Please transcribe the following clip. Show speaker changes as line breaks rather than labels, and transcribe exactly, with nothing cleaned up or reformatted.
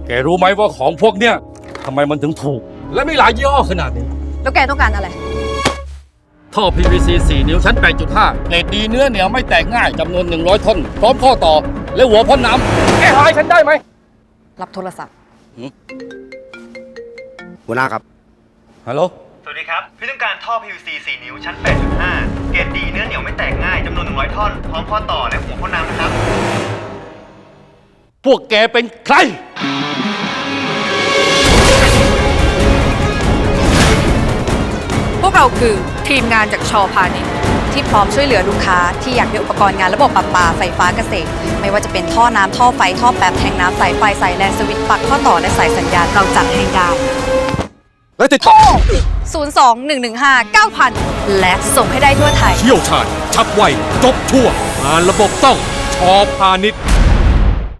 แกรู้ไหมว่าของพวกเนี้ยทำไมมันถึงถูก และมีหลายยี่ห้อขนาดนี้
แล้วแกต้องการอะไร
ท่อ พี วี ซี สี่ นิ้วชั้น แปดจุดห้า เกรดดีเนื้อเหนียวไม่แตกง่ายจำนวน หนึ่งร้อย ท่อน พร้อมข้อต่อ และหัวพ่นน้ำแกหายฉันได้ไหม
รับโทรศัพท์
หัวหน้าครับ
ฮัลโหล
สวัสดีครับ พี่ต้องการท่อ พี วี ซี สี่ นิ้วชั้น แปดจุดห้า เกรดดีเนื้อเหนียวไม่แตกง่ายจำนวน หนึ่งร้อย ท่อน พร้อมข้อต่อและหัวพ่นน้ำนะครับ
พวกแกเป็นใคร
พวกเราคือทีมงานจากชอพาณิชย์ที่พร้อมช่วยเหลือลูกค้าที่อยากได้อุปกรณ์งานระบบประปาไฟฟ้าเกษตร ไม่ว่าจะเป็นท่อน้ำท่อไฟท่อแป๊บแทงน้ำสายไฟสายแลนสวิตช์ปลั๊กข้อต่อและสายสัญญาณเราจัดให้ได้
และติดต่อ
ศูนย์ สอง หนึ่ง หนึ่ง ห้า เก้า ศูนย์ ศูนย์ และส่งให้ได้ทั่วไทย
เชี่ยวชาญชับไวจบทั่วงานระบบต้องชอพาณิชย์